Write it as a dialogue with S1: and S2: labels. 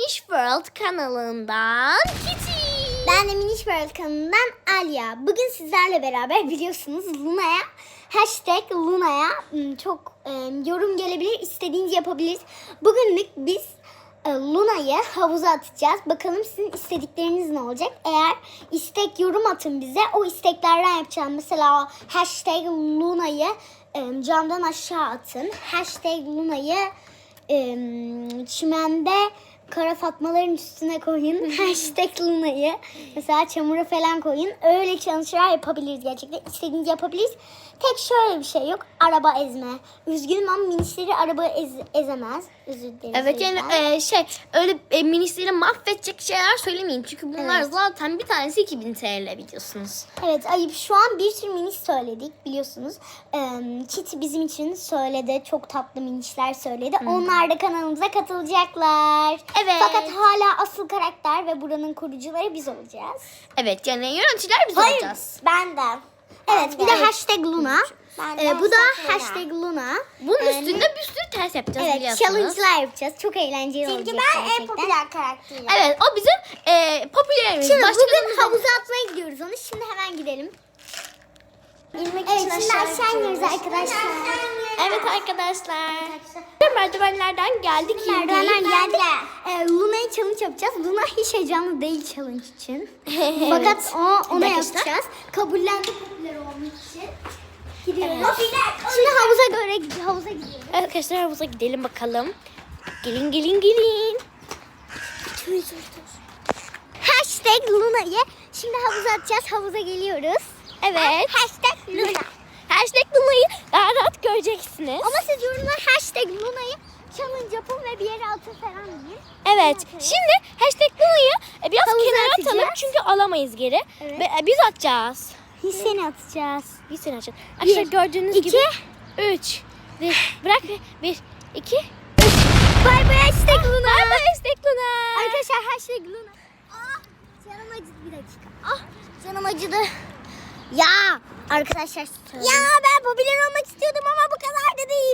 S1: Minish World kanalından Kitty.
S2: Ben de Minish World kanalından Alya. Bugün sizlerle beraber biliyorsunuz Luna'ya çok yorum gelebilir, istediğinizi yapabiliriz. Bugünlük biz Luna'yı havuza atacağız. Bakalım sizin istedikleriniz ne olacak? Eğer istek yorum atın bize. O isteklerden yapacağım. Mesela #Luna'yı camdan aşağı atın. #Luna'yı çimende kara fatmaların üstüne koyun. #Luna'yı mesela çamura falan koyun. Öyle challenge'lar yapabiliriz gerçekten. İstediğinizi yapabiliriz. Tek şöyle bir şey yok. Araba ezme. Üzgünüm ama minişleri araba ezemez. Özür dilerim.
S1: Evet yani öyle minişleri mahvedecek şeyler söylemeyin. Çünkü bunlar zaten bir tanesi 2000 TL biliyorsunuz.
S2: Evet ayıp, şu an bir sürü miniş söyledik biliyorsunuz. Kitty bizim için söyledi. Çok tatlı minişler söyledi. Onlar da kanalımıza katılacaklar.
S1: Evet.
S2: Fakat hala asıl karakter ve buranın kurucuları biz olacağız.
S1: Evet yani yöneticiler biz olacağız.
S2: Ben de. Evet bir de #Luna. Bu da #Luna.
S1: Bunun üstünde bir sürü ters yapacağız
S2: Evet,
S1: biliyorsunuz.
S2: challenge'lar yapacağız. Çok eğlenceli olacak gerçekten.
S3: en popüler karakterim.
S1: Evet o bizim popülerimiz.
S2: Şimdi
S1: Başka
S2: bugün havuza atmaya gidiyoruz onu. Şimdi hemen gidelim.
S3: İnmek
S2: Evet
S3: için
S2: şimdi aşağı iniyoruz arkadaşlar.
S1: Evet arkadaşlar. Merdivenlerden geldik.
S2: Merdivenler geldik. Luna'yı challenge yapacağız. Luna hiç heyecanlı değil challenge için. Fakat ona yapacağız. Kabullendi popüler olmak için. Gidiyoruz. Şimdi havuza gidiyoruz.
S1: Arkadaşlar havuza gidelim bakalım. Gelin.
S2: #Luna'yı şimdi havuza atacağız. Havuza geliyoruz.
S1: Evet.
S2: #Luna.
S1: #Luna'yı daha rahat göreceksiniz.
S2: Ama siz yorumlar #Luna'yı challenge yapın ve bir yere atın falan deyin.
S1: Evet. Şimdi #Luna'yı biraz
S2: Havuza
S1: kenara
S2: atacağız.
S1: atalım çünkü alamayız geri.
S2: Evet.
S1: Ve biz atacağız.
S2: Biz seni atacağız.
S1: Biz seni atacağız. Arkadaşlar gördüğünüz
S2: iki,
S1: gibi 3 bırak 1 2
S2: Bay bay #Luna.
S1: Bay bay #Luna.
S2: Arkadaşlar #Luna. Canım acıdı bir dakika. Canım acıdı. Ya arkadaşlar. Ya ben popüler olmak istiyordum ama bu kadar da değil.